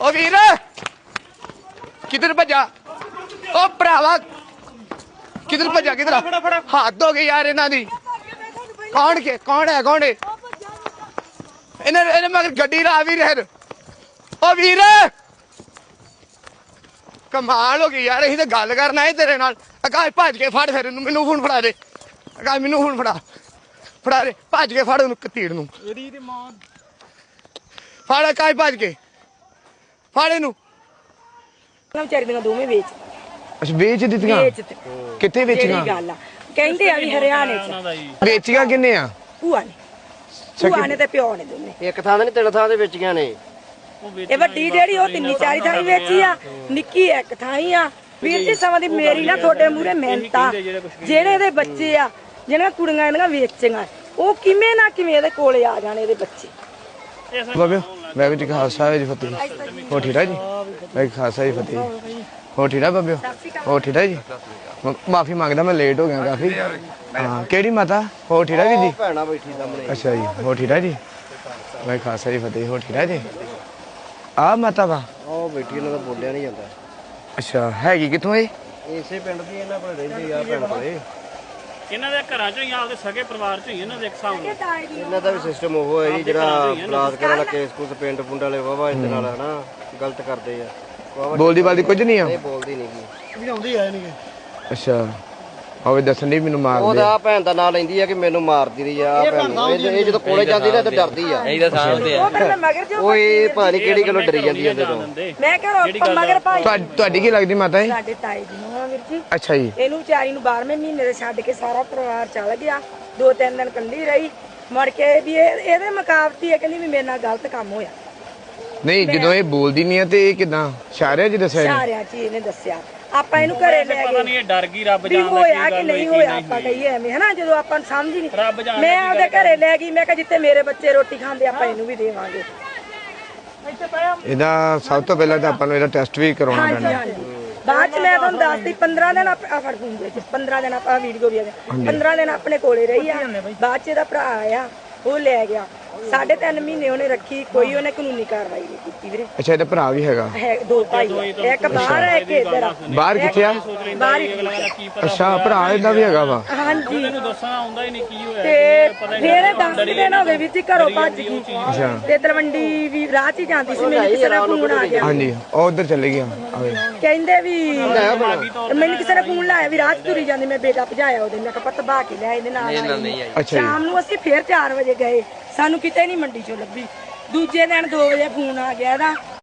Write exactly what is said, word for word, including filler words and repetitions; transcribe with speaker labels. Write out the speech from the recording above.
Speaker 1: ओ वीर किधर भजा ओ भरावा किधर भजा किधर हाथ हो गए यार इन्हां दी कौन के कौन है कौन है इन्हें इन्हें मगर गड्डी ला भी रहे ओ वीर कमाल हो गई यार असीं ते गल करना है तेरे नाल आकाश भज के फड़ फिर मैनू फोन फड़ा दे आकाश मैनू फोन फड़ा फड़ा दे भज के फड़ उन्हें कतीड़ नूं फड़ आकाश भज के फड़ इनू
Speaker 2: ਵਿਚਾਰੀ ਦੀਆਂ ਦੋਵੇਂ ਵੇਚ
Speaker 1: ਅੱਛਾ ਵੇਚ ਦਿੱਤੀਆਂ ਕਿੱਥੇ ਵੇਚੀਆਂ
Speaker 2: ਗੱਲ ਆ ਕਹਿੰਦੇ ਆ ਵੀ ਹਰਿਆਣੇ ਚ
Speaker 1: ਵੇਚੀਆਂ ਕਿੰਨੇ ਆ
Speaker 2: ਭੂਆ ਨੇ ਭੂਆ ਨੇ ਤੇ ਪਿਓ ਨੇ ਦੋਨੇ
Speaker 3: ਇੱਕ ਥਾਂ ਤੇ ਨਹੀਂ ਤਿੰਨ ਥਾਂ ਤੇ ਵੇਚੀਆਂ ਨੇ
Speaker 2: ਇਹ ਵੱਡੀ ਜਿਹੜੀ ਉਹ ਤਿੰਨੀ ਚਾਰੀ ਥਾਂ ਵੇਚੀ ਆ ਨਿੱਕੀ ਇੱਕ ਥਾਂ ਹੀ ਆ ਵੀਰ ਜੀ ਸਮਾਂ ਦੀ ਮੇਰੀ ਨਾ ਤੁਹਾਡੇ ਮੂਹਰੇ ਮਿਹਨਤਾਂ ਜਿਹੜੇ ਇਹਦੇ ਬੱਚੇ ਆ ਜਿਹੜੀਆਂ ਕੁੜੀਆਂ ਇਹਨਾਂ ਵੇਚੀਆਂ ਉਹ ਕਿਵੇਂ ਨਾ ਕਿਵੇਂ ਇਹਦੇ ਕੋਲੇ ਆ ਜਾਣ ਇਹਦੇ ਬੱਚੇ
Speaker 1: ਬਾਬੇ ਮੈਂ ਵੀ ਖਾਲਸਾ ਜੀ ਫਤਿਹ ਹੋ ਠੀਕ ਹੈ ਜੀ ਮੈਂ ਖਾਲਸਾ ਜੀ ਫਤਿਹ ਹੋ ਠੀਕ ਹੈ ਬਾਬੇ ਹੋ ਠੀਕ ਹੈ ਜੀ ਮਾਫੀ ਮੰਗਦਾ ਮੈਂ ਲੇਟ ਹੋ ਗਿਆ ਕਾਫੀ ਹਾਂ ਕਿਹੜੀ ਮਾਤਾ ਹੋ ਠੀਕ ਹੈ ਜੀ
Speaker 3: ਭੈਣਾ ਬੈਠੀ ਸਾਹਮਣੇ
Speaker 1: ਅੱਛਾ ਜੀ ਹੋ ਠੀਕ ਹੈ ਜੀ ਮੈਂ ਖਾਲਸਾ ਜੀ ਫਤਿਹ ਹੋ ਠੀਕ ਹੈ ਜੀ ਆ ਮਾਤਾ ਵਾ
Speaker 3: ਉਹ ਬੈਠੀ ਇਹਨਾਂ ਦਾ ਬੋਲਿਆ ਨਹੀਂ ਜਾਂਦਾ
Speaker 1: ਅੱਛਾ ਹੈਗੀ ਕਿੱਥੋਂ ਇਹ
Speaker 3: ਇਸੇ ਪਿੰਡ ਦੀ ਇਹਨਾਂ ਕੋਲ ਰਹਿੰਦੀ ਆ ਭੈਣ ਕੋਲੇ
Speaker 4: ਇਹਨਾਂ ਦੇ ਘਰਾਂ ਚੋਂ ਹੀ ਆਪਦੇ ਸਗੇ ਪਰਿਵਾਰ ਚੋਂ ਹੀ ਇਹਨਾਂ ਦੇ ਇੱਕ ਹਿਸਾਬ ਨਾਲ
Speaker 3: ਇਹਨਾਂ ਦਾ ਵੀ ਸਿਸਟਮ ਉਹ ਹੈ ਜੀ ਜਿਹੜਾ ਬਲਾਤਕਾਰ ਵਾਲਾ ਕੇਸ ਕੁਸ ਪਿੰਡ ਪੁੰਡ ਵਾਲੇ ਵਾਵਾ ਇਹਦੇ ਨਾਲ ਹਨਾ ਗਲਤ ਕਰਦੇ ਆ
Speaker 1: ਬੋਲਦੀ ਬਾਲਦੀ ਕੁਝ ਨਹੀਂ ਆ
Speaker 3: ਇਹ ਬੋਲਦੀ ਨਹੀਂ ਕੀ ਵੀ ਆਉਂਦੀ ਹੈ ਨਹੀਂ
Speaker 1: ਅੱਛਾ ਹੋਵੇ ਦੱਸਣ ਦੀ ਮੈਨੂੰ ਮਾਰ ਦੇ
Speaker 3: ਉਹਦਾ ਭੈਣ ਦਾ ਨਾਂ ਲੈਂਦੀ ਆ ਕਿ ਮੈਨੂੰ ਮਾਰਦੀ ਰਹੀ ਆ ਭੈਣ ਇਹ ਜਦੋਂ ਕੋਲੇ ਜਾਂਦੀ ਨਾ ਤਾਂ ਡਰਦੀ ਆ
Speaker 4: ਇਹਦਾ ਸਾਹਮਣੇ ਆ
Speaker 2: ਉਹ ਫਿਰ ਮੈਂ ਮਗਰ ਜੋ
Speaker 3: ਉਹ ਇਹ ਪਤਾ ਨਹੀਂ ਕਿਹੜੀ ਗੱਲੋਂ ਡਰੀ ਜਾਂਦੀ ਇਹਦੇ ਤੋਂ
Speaker 2: ਮੈਂ ਕਿਹਾ ਮਗਰ ਭਾਈ
Speaker 1: ਤੁਹਾਡੀ ਕੀ ਲੱਗਦੀ ਮਾਤਾ ਇਹ
Speaker 2: ਸਾਡੇ ਤਾਏ ਦੀ ਨੂੰ ਆ ਵੀਰ ਜੀ
Speaker 1: ਅੱਛਾ ਜੀ
Speaker 2: ਇਹਨੂੰ ਵਿਚਾਰੀ ਨੂੰ ਬਾਰਵੇਂ ਮਹੀਨੇ ਦੇ ਛੱਡ ਕੇ ਸਾਰਾ ਪਰਿਵਾਰ ਚਲ ਗਿਆ ਦੋ ਤਿੰਨ ਦਿਨ ਕੱਲੀ ਰਹੀ ਮੁੜ ਕੇ ਵੀ ਇਹ ਇਹਦੇ ਮੁਕਾਬਤੀ ਹੈ ਕਹਿੰਦੀ ਵੀ ਮੇਰੇ ਨਾਲ ਗਲਤ ਕੰਮ ਹੋਇਆ
Speaker 1: ਨਹੀਂ ਜਦੋਂ ਇਹ ਬੋਲਦੀ ਨਹੀਂ ਆ ਤੇ ਇਹ ਕਿਦਾਂ ਇਸ਼ਾਰਿਆਂ 'ਚ ਦੱਸਿਆ ਇਹਨੇ?
Speaker 2: ਸਾਰਿਆਂ ਚ ਇਹਨੇ ਦੱਸਿਆ ਆਪਾਂ ਇਹਨੂੰ ਘਰੇ ਲੈ
Speaker 4: ਪਤਾ
Speaker 2: ਗਏ
Speaker 4: ਨਹੀਂ ਇਹ ਡਰ ਗਈ ਰੱਬ
Speaker 2: ਵੀ
Speaker 4: ਜਾਣਦਾ
Speaker 2: ਹੋਇਆ
Speaker 4: ਕੀ
Speaker 2: ਕਿ
Speaker 4: ਗੱਲ
Speaker 2: ਨਹੀਂ
Speaker 4: ਹੋਈ
Speaker 2: ਹੋਇਆ ਆਪਾਂ ਕਹੀਏ ਐਵੇਂ ਹਨਾ ਜਦੋਂ ਆਪਾਂ ਨੂੰ ਸਮਝ ਹੀ ਨਹੀਂ
Speaker 4: ਰੱਬ ਜਾਣਦਾ
Speaker 2: ਮੈਂ ਆਪਦੇ ਘਰੇ ਲੈ ਗਈ ਮੈਂ ਕਿਹਾ ਜਿੱਥੇ ਮੇਰੇ ਬੱਚੇ ਰੋਟੀ ਖਾਂਦੇ ਆਪਾਂ ਇਹਨੂੰ ਵੀ ਦੇਵਾਂਗੇ
Speaker 1: ਇਹਦਾ ਸਭ ਤੋਂ ਪਹਿਲਾਂ ਤਾਂ ਆਪਾਂ ਨੂੰ ਇਹਦਾ ਟੈਸਟ ਵੀ ਕਰਾਉਣਾ
Speaker 2: ਹਾਂਜੀ
Speaker 1: ਪੈਣਾ
Speaker 2: ਹਾਂਜੀ ਬਾਅਦ ਚ ਮੈਂ ਤੁਹਾਨੂੰ ਦੱਸਦੀ ਪੰਦਰਾਂ ਦਿਨ ਆ ਫੜ ਫੋਨ ਵਿੱਚ ਪੰਦਰਾਂ ਦਿਨ ਆਪਾਂ ਵੀਡੀਓ ਵੀ ਆ ਪੰਦਰਾਂ ਦਿਨ ਆਪਣੇ ਕੋਲੇ ਰਹੀ ਆ ਬਾਅਦ ਚ ਇਹਦਾ ਭਰਾ ਆਇਆ ਉਹ ਲੈ ਗਿਆ ਸਾਢੇ ਤਿੰਨ ਮਹੀਨੇ ਉਹਨੇ ਰੱਖੀ ਕੋਈ ਉਹਨੇ ਕਾਨੂੰਨੀ ਕਾਰਵਾਈ ਨਹੀਂ ਕੀਤੀ ਵੀਰੇ
Speaker 1: ਅੱਛਾ ਇਹਦਾ ਭਰਾ ਵੀ ਹੈਗਾ
Speaker 2: ਹੈ ਦੋ ਭਾਈ ਆ, ਇੱਕ ਬਾਹਰ ਹੈ ਇੱਕ ਇੱਧਰ ਆ
Speaker 1: ਬਾਹਰ ਕਿੱਥੇ ਆ
Speaker 2: ਬਾਹਰ ਹੀ
Speaker 1: ਅੱਛਾ ਭਰਾ ਇਹਦਾ ਵੀ ਹੈਗਾ ਵਾ
Speaker 2: ਹਾਂਜੀ
Speaker 4: ਇਹਨੂੰ ਦੱਸਣਾ ਆਉਂਦਾ ਹੀ ਨਹੀਂ ਕੀ ਹੋਇਆ
Speaker 2: ਤੇ ਫੇਰ ਦਸ ਦਿਨ ਹੋ ਗਏ ਵੀ ਘਰੋਂ ਭੱਜ ਗਈ
Speaker 1: ਅੱਛਾ
Speaker 2: ਤੇ ਤਲਵੰਡੀ ਵੀ ਰਾਹ 'ਚ ਹੀ ਜਾਂਦੀ ਸੀ ਮੈਨੂੰ ਕਿਸੇ ਦਾ ਫੋਨ ਆ ਗਿਆ
Speaker 1: ਹਾਂਜੀ ਉਹ ਉਧਰ ਚਲੇ ਗਿਆ ਆਵੇ
Speaker 2: ਕਹਿੰਦੇ ਵੀ ਮੈਨੂੰ ਕਿਸੇ ਨੇ ਫੋਨ ਲਾਇਆ ਵੀ ਰਾਹ 'ਚ ਤੁਰੀ ਜਾਂਦੀ ਮੈਂ ਬੇਟਾ ਭਜਾਇਆ ਉਹਦੇ ਮੈਂ ਕਿਹਾ ਪਤ ਬਾ ਕੇ ਲਿਆ ਇਹਦੇ ਨਾਲ
Speaker 1: ਅੱਛਾ ਜੀ
Speaker 2: ਸ਼ਾਮ ਨੂੰ ਅਸੀਂ ਫੇਰ ਚਾਰ ਵਜੇ ਗਏ ਸਾਨੂੰ ਕਿਤੇ ਨਹੀਂ ਮੰਡੀ 'ਚੋਂ ਲੱਭੀ ਦੂਜੇ ਦਿਨ ਦੋ ਵਜੇ ਫੋਨ ਆ ਗਿਆ ਇਹਦਾ